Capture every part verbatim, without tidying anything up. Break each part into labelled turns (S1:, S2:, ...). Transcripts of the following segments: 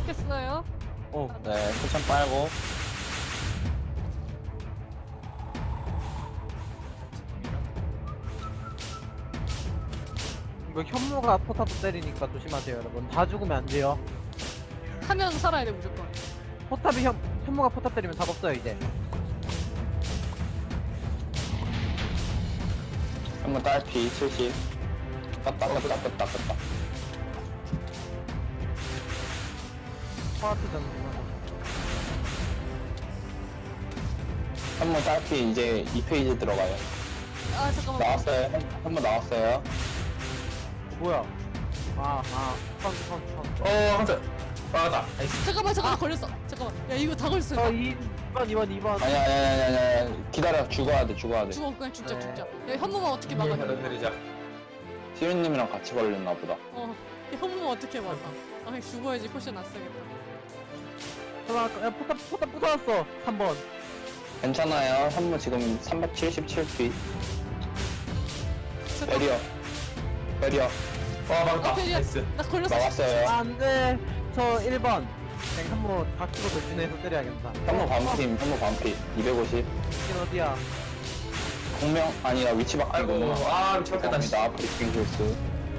S1: 시작했어요.
S2: 어,
S3: 네, 포션 빨고.
S2: 이거 현무가 포탑도 때리니까 조심하세요, 여러분. 다 죽으면 안 돼요.
S1: 하면 살아야 돼 무조건.
S2: 포탑이 현, 현무가 포탑 때리면 답 없어요, 이제.
S3: 한번 딸피 칠십. 떴다, 떴다, 떴다, 떴다.
S2: 파트 전투만.
S3: 한번 딸피 이제 이 페이지 들어가요.
S1: 아 잠깐만.
S3: 나왔어요. 한 번 나왔어요.
S2: 뭐야? 아, 아, 카운트, 카운트, 카운트.
S4: 어, 한자. 빠르다. 나이스.
S1: 잠깐만 잠깐만 걸렸어. 잠깐만. 야 이거 다 걸렸어.
S2: 어,
S1: 나
S2: 이 번, 이 번, 이 번.
S3: 아니야, 아니야, 아니야, 아니야. 기다려. 죽어야 돼, 죽어야 돼.
S1: 죽어 그냥 죽자
S2: 네.
S1: 죽자. 야 현무만 어떻게 막아?
S4: 받아들이자.
S3: 시윤님이랑 같이 걸렸나 보다.
S1: 어. 야, 현무만 어떻게 막아? 아 그냥 죽어야지 포션 안 쓰겠다.
S2: 잠깐만, 야, 포탑, 포탑 부서졌어. 삼 번.
S3: 괜찮아요. 한 번 지금 삼백칠십칠 피. 베리어. 베리어.
S4: 와, 막았다.
S1: 어, 베리야.
S4: 나이스.
S1: 나 걸렸어.
S3: 나왔어요.
S2: 아, 안 돼. 저 일 번. 그냥 현무 다키고 돌진해서 때려야겠다.
S3: 현무 반팀, 현무 반피. 이백오십.
S2: 이긴 어디야?
S3: 공명, 아니라 위치 바뀌고.
S4: 아이고, 아, 미치 바뀌었다.
S3: 죄송합니다. 브리핑 실수.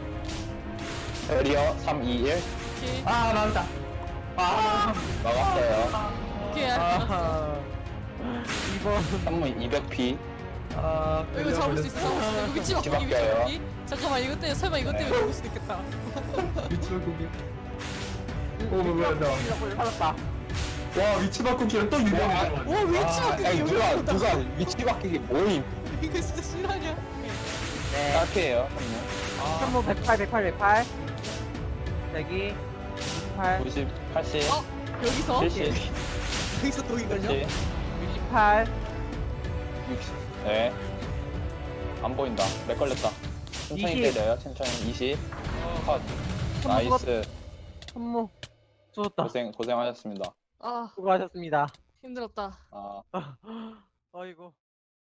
S3: 베리어 삼이일.
S1: 오케이.
S4: 아, 나왔다. 아,
S3: 나갔어요.
S1: 오케이 알았어.
S2: 아, 이 번.
S3: 현무 이백 피.
S2: 아,
S1: 이거 잡을 수 있어. 잡을 수 있어. 이거 위치 바꾸기 위치
S3: 바뀌어요.
S1: 바꾸기. 잠깐만 이거 때문에 설마 이거 때문에 죽을 수도 있겠다.
S4: 위치 바꾸기. 오, 뭐야, 나.
S2: 살았다.
S4: 와, 위치 바꾸기랑 또 유리하게 들어갔네.
S1: 와 위치
S3: 아,
S1: 바꾸기
S3: 아니,
S1: 여기
S3: 누가,
S1: 나온다.
S3: 누가 위치 바뀌기 모임.
S1: 이거 진짜 실화냐?
S2: 네.
S3: 딸피에요, 현무.
S2: 현무 백팔, 백팔, 백팔. 여기. 육십팔,
S3: 구십, 팔십,
S1: 어? 여기서?
S3: 칠십,
S1: 여기서 독이 걸려?
S3: 칠십,
S2: 육십팔.
S3: 육십. 네. 안 보인다. 렉 걸렸다. 천천히
S2: 이십.
S3: 때려요. 천천히. 이십. 컷.
S2: 현무
S3: 나이스.
S2: 현무. 죽었다.
S3: 고생, 고생하셨습니다.
S1: 아
S2: 수고하셨습니다.
S1: 힘들었다.
S3: 아,
S2: 어이구.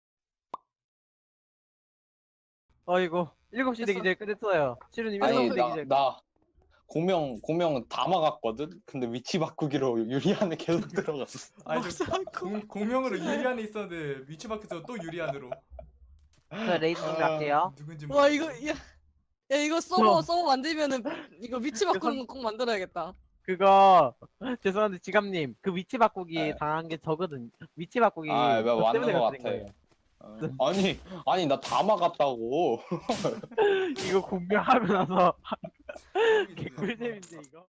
S2: 어이구. 일곱 시 되기 전에 끝냈어요. 시루님
S3: 아니,
S2: 일곱 시 되기
S3: 나,
S2: 전에.
S3: 나, 공명, 공명 다 막았거든? 근데 위치 바꾸기로 유리안에 계속 들어갔어.
S4: 아니, 저 공, 공명으로 유리안에 있었는데 위치 바뀌어서 또 유리안으로.
S2: 저 레이드 좀 갈게요.
S4: 누군지
S1: 와 이거 야, 야 이거 서버
S2: 어.
S1: 서버 만들면은 이거 위치 바꾸는 거 꼭 만들어야겠다.
S2: 그거 죄송한데 지감님 그 위치 바꾸기
S3: 네.
S2: 당한 게 저거든. 위치 바꾸기.
S3: 아, 왜
S2: 저
S3: 맞는
S2: 때문에
S3: 것
S2: 걸린
S3: 같아.
S2: 거예요.
S3: 어. 아니, 아니, 나 다 막았다고.
S2: 이거 공개하고 나서
S4: 바뀌었어.
S2: 개꿀잼인데 이거.